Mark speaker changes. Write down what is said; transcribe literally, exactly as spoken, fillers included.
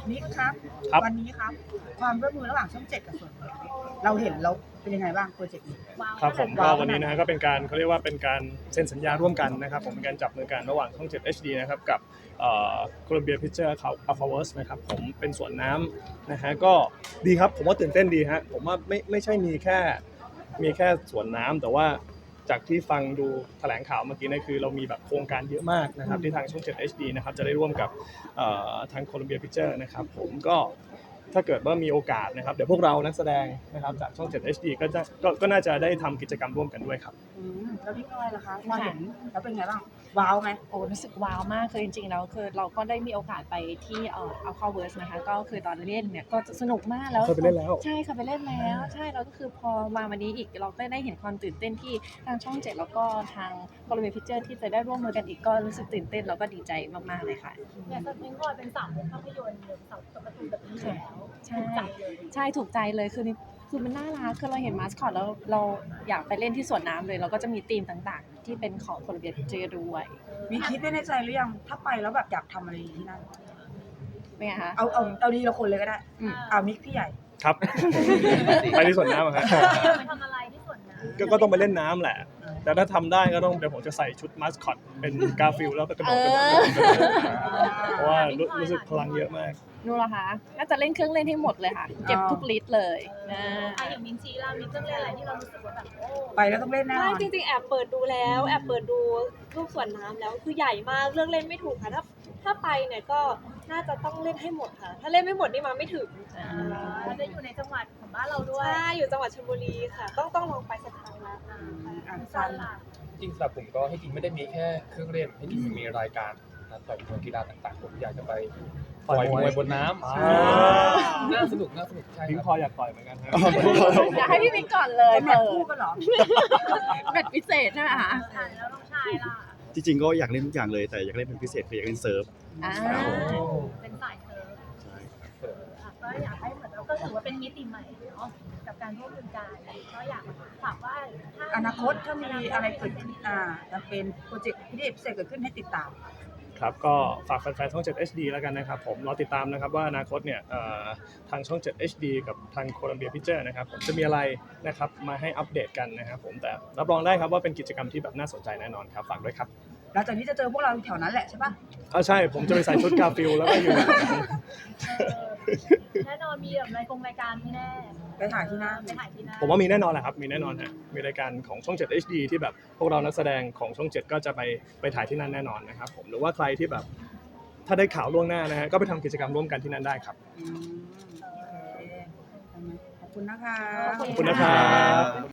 Speaker 1: นิกครับ
Speaker 2: ครับ
Speaker 1: วันนี้ครับความร่วมมือระหว่างช่องเจ็ดกับส่วนกลางเราเห็นเราเป็นยังไงบ้างโปรเจกต์นี้
Speaker 2: ครับผมก็
Speaker 1: ว้าว
Speaker 2: วันนี้นะฮะก็เป็นการเขาเรียกว่าเป็นการเซ็นสัญญาร่วมกันนะครับผมเป็นการจับมือกันระหว่างช่อง เจ็ด เอช ดี นะครับกับโคลัมเบียพิเจอร์เขาอัลฟาเวิร์สนะครับผมเป็นสวนน้ำนะฮะก็ดีครับผมว่าตื่นเต้นดีฮะผมว่าไม่ไม่ใช่มีแค่มีแค่สวนน้ำแต่ว่าจากที่ฟังดูแถลงข่าวเมื่อกี้นะคือเรามีแบบโครงการเยอะมากนะครับที่ทางช่อง เจ็ด เอช ดี นะครับจะได้ร่วมกับเอ่อทางโคลัมเบียพิเจอร์นะครับผมก็ถ้าเกิดว่ามีโอกาสนะครับเดี๋ยวพวกเรานักแสดงนะครับจากช่อง เจ็ด เอช ดี ก็จะก็ก็น่าจะได้ทำกิจกรรมร่วมกันด้วยครับ
Speaker 1: อืมแล้วพี่ก้อยล่ะคะพอเห็นแล้วเป็นไงบ้างว้าวไหม
Speaker 3: โอ้รู้สึกว้าวมากคือจริงๆแล้วคือเราก็ได้มีโอกาสไปที่เอ่ออัลคาเวิร์สนะคะก็คือตอนเล่นเนี่ยก็สนุกมากแล้ว
Speaker 2: เคยไปเล่นแล้ว
Speaker 3: ใช่ค่ะไปเล่นแล้วใช่แล้วก็คือพอมาวันนี้อีกเราได้ได้เห็นความตื่นเต้นที่ทางช่องเจ็ดแล้วก็ทางโคลัมเบียพิเจอร์ที่จะได้ร่วมมือกันอีกก็รู้สึกตื่นเต้นแล้วก็ดีใจมากๆเลยค่ะ
Speaker 4: อย่างสปิงบอยเป็นสาวภาพยนตร์หรือสาวการ์ตูนแบบนี้อยู่แล้ว
Speaker 3: ใช่
Speaker 4: ถูกใจเลย
Speaker 3: ใช่ถูกใจเลยคือคือมันน่ารักคือเราเห็นมาสคอตแล้วเราอยากไปเล่นที่สวนน้ำเลยเราก็จะมีธีมต่างๆ ที่เป็นของโคลัมเบียพิเจอร์ด้วย
Speaker 1: มีคิดไว้ในใจหรือยังถ้าไปแล้วแบบอยากทำอะไรที่นั่น
Speaker 3: เป็นไงคะ
Speaker 1: เอาเอาเอาดีละคนเลยก็ได้
Speaker 3: อืม
Speaker 1: เอามิกพี่ใหญ่
Speaker 2: ครับ ไปที่สวนน้ำอะครับ
Speaker 4: ไปทำอะไรที่สวนน้ำ
Speaker 2: ก็ก็ต้องไปเล่นน้ำแหละ แต่ถ้าทำได้ก็ต้องเดี๋ยวผมจะใส่ชุดมาสคอตเป็นกาฟิลแล้วก็กระโดดกระโดดกระโดดกระโดดเพราะว่ารู้รู้สึกพลังเยอะมาก
Speaker 3: นู่นเหรอคะน่าจะเล่นเครื่องเล่นให้หมดเลยค่ะ เก็บทุกลิตรเลยนะ
Speaker 4: อ่ะอย่างมินชีล่ะมีเครื่องเล่นอะไรที่เรารู้สึกว่าแบบโอ้
Speaker 1: ไปแล้วต้องเล่นแน่น
Speaker 5: ไม่
Speaker 1: อน
Speaker 5: จริงๆแอบเปิดดูแล้วแอบเปิดดูรูปสวนน้ำแล้วคือใหญ่มากเรื่องเล่นไม่ถูกค่ะถ้าถ้าไปเนี่ยก็น่าจะต้องเล่นให้หมดค่ะ ถ้าเล่นไม่หมดนี่มาไม่ถึง
Speaker 4: เราจะอยู่ในจังหวัดของบ้านเราด้วย
Speaker 5: ใช่อยู่จังหวัดชลบุรีค่ะ ต้องต้องลองไปสักครั้งละ
Speaker 4: อ่า
Speaker 1: อ่ะ
Speaker 4: ซันล่ะ
Speaker 6: จริงๆสำหรับผมก็ให้จริงไม่ได้มีแค่เครื่องเล่นให้จริงมีรายการนะครับต่อยมวยกีฬาต่างๆผมอยากจะไปต่อยมวยบนน้ำ
Speaker 2: อ่า
Speaker 6: น่าสนุกน่าสนุกใช่
Speaker 2: พิง
Speaker 6: ค
Speaker 2: พอ
Speaker 6: รับ
Speaker 2: อยากต่อยเหมือนกันฮะ
Speaker 3: อยากให้พี่มิกก่อนเลย
Speaker 1: เป็นแบ
Speaker 3: เปิ
Speaker 1: บ
Speaker 3: ด
Speaker 1: คู่กันเหรอ
Speaker 3: แมตช์พิเศษใช่ไหมคะ
Speaker 4: อ่าแล้วน้องชายล่ะ
Speaker 7: จริงๆก็อยากเล่นทุกอย่างเลยแต่อยากเล่นเป็นพิเศษคืออยากเล่นเซิร์ฟ
Speaker 3: อ่า
Speaker 4: เป็นสายเซิร์ฟ
Speaker 7: ใช่
Speaker 4: อ่ะก็อยากให้เหมือนเราก็ถือว่าเป็นมิติใหม่เนาะกับการร่วมมือกันก็อยากฝากว่าถ้า
Speaker 1: อนาคตถ้ามีอะไรเกิดขึ้นอ่าจะเป็นโปรเจกต์พิเศษเกิดขึ้นให้ติดตาม
Speaker 2: ครับก็ฝากแฟนๆช่อง เจ็ด เอช ดี แล้วกันนะครับผมรอติดตามนะครับว่าอนาคตเนี่ยเอ่อทางช่อง เจ็ด เอช ดี กับทางโคลัมเบียพิเจอร์นะครับผมจะมีอะไรนะครับมาให้อัปเดตกันนะครับผมแต่รับรองได้ครับว่าเป็นกิจกรรมที่แบบน่าสนใจแน่นอนครับฝากด้วยครับ
Speaker 1: หลังจากนี้จะเจอพวกเราแถวนั้นแหละใช่ปะ
Speaker 2: อ่าใช่ผมจะไปใส่ชุดกาฟิลแล้วก็อยู่
Speaker 4: แน่นอนมีแบบรายกงรายการที่แน่
Speaker 1: ไปถ่ายที่นั่น
Speaker 4: ไปถ่ายที่นั่น
Speaker 2: ผมว่ามีแน่นอนแหละครับมีแน่นอนฮะมีรายการของช่อง เจ็ด เอช ดี ที่แบบพวกเรานักแสดงของช่อง เจ็ด ก็จะไปไปถ่ายที่นั่นแน่นอนนะครับผมหรือว่าใครที่แบบถ้าได้ข่าวล่วงหน้านะฮะก็ไปทำกิจกรรมร่วมกันที่นั่นได้ครับ
Speaker 1: อืมโอเคขอบคุณนะคะ
Speaker 2: ขอบคุณนะครับ